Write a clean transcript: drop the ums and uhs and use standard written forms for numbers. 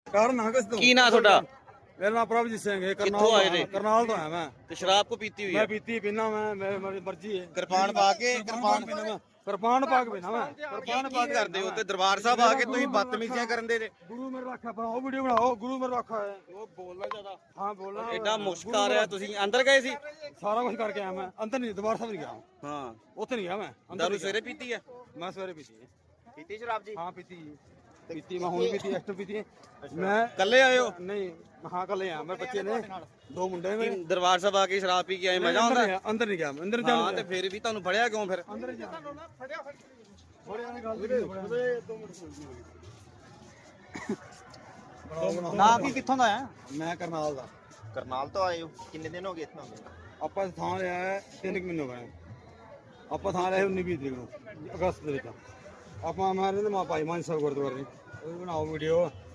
ਕਾਰਨ ਹਾਂ ਕਿਸ ਤੋਂ ਕੀ ਨਾਂ ਤੁਹਾਡਾ? ਮੇਰਾ ਨਾਮ ਪ੍ਰਭਜੀਤ ਸਿੰਘ ਹੈ। ਕਿੱਥੋਂ ਆਏ ਨੇ? ਕਰਨਾਲ ਤੋਂ ਆਇਆ ਮੈਂ। ਤੇ ਸ਼ਰਾਬ ਕੋ ਪੀਤੀ ਹੋਈ ਮੈਂ ਹੈ? ਪੀਤੀ ਪੀਣਾ ਮੈਂ, ਮੇਰੀ ਮਰਜ਼ੀ ਹੈ। ਕਿਰਪਾਨ ਪਾ ਕੇ ਪੀਣਾ ਮੈਂ, ਕਿਰਪਾਨ ਪਾ ਕੇ ਪੀਣਾ ਮੈਂ, ਕਿਰਪਾਨ ਪਾ ਕੇ ਕਰਦੇ ਹੋ ਤੇ ਦਰਬਾਰ ਸਾਹਿਬ ਆ ਕੇ ਤੁਸੀਂ ਬਦਤਮੀਜ਼ੀਆਂ ਕਰਨ ਦੇ ਜੇ। ਗੁਰੂ ਮੇਰਾ ਰੱਖਾ ਬਣਾਓ, ਵੀਡੀਓ ਬਣਾਓ। ਗੁਰੂ ਮੇਰਾ ਰੱਖਾ ਹੈ। ਉਹ ਬੋਲਣਾ ਜ਼ਿਆਦਾ। ਹਾਂ ਬੋਲਣਾ। ਐਡਾ ਮੁਸ਼ਕ ਆ ਰਿਹਾ। ਤੁਸੀਂ ਅੰਦਰ ਗਏ ਸੀ? ਸਾਰਾ ਕੁਝ ਕਰਕੇ ਆਇਆ ਮੈਂ। ਅੰਦਰ ਨਹੀਂ, ਦਰਬਾਰ ਸਾਹਿਬ ਨਹੀਂ ਗਿਆ। ਹਾਂ, ਉੱਥੇ ਨਹੀਂ ਗਿਆ ਮੈਂ। ਦਾਰੂ ਸਵੇਰੇ ਪੀਤੀ ਹੈ? ਮੈਂ ਸਵੇਰੇ ਪੀਤੀ ਹੈ। ਪੀਤੀ ਸ਼ਰਾਬ ਜੀ? ਹਾਂ ਪੀਤੀ ਪੀਤੀ ਮੈਂ ਹੁਣ ਪੀਤੀ, ਐਕਸਟਰਾ ਪੀਤੀ ਹੈ। ਮੈਂ ਕੱਲੇ ਆਏ ਹੋ? ਨਹੀਂ, ਹਾਂ ਕੱਲੇ ਆ ਮੈਂ। ਬੱਚੇ ਨੇ ਦੋ ਮੁੰਡੇ ਨੇ। ਦਰਬਾਰ ਸਾਹਿਬ ਆ ਕੇ ਸ਼ਰਾਬ ਪੀ ਕੇ ਆਏ, ਮਜ਼ਾ ਆਉਂਦਾ? ਅੰਦਰ ਨਹੀਂ ਗਿਆ ਮੈਂ। ਅੰਦਰ ਹਾਂ, ਤੇ ਫਿਰ ਵੀ ਤੁਹਾਨੂੰ ਫੜਿਆ ਕਿਉਂ ਫਿਰ? ਅੰਦਰ ਜਾ ਨਾ ਕੀ ਕਿੱਥੋਂ ਦਾ ਆ? ਮੈਂ ਕਰਨਾਲ ਦਾ। ਕਰਨਾਲ ਤੋਂ ਆਏ ਹੋ? ਕਿੰਨੇ ਦਿਨ ਹੋ ਗਏ ਇੱਥੋਂ? ਆਪਾਂ ਥਾਂ ਲਿਆ ਹੈ 3 ਮਹੀਨੇ ਹੋ ਗਏ। ਆਪਾਂ ਥਾਂ ਲਿਆ 19-20 ਤਰੀਕ ਨੂੰ, ਅਗਸਤ ਦੇ ਵਿੱਚ। ਆਪਾਂ ਮੈਂ ਰਹਿੰਦੇ ਮਾ ਭਾਈ ਮਾਨ ਸਾਹਿਬ ਗੁਰਦੁਆਰੇ। ਉਹ ਬਣਾਓ ਵੀਡੀਓ।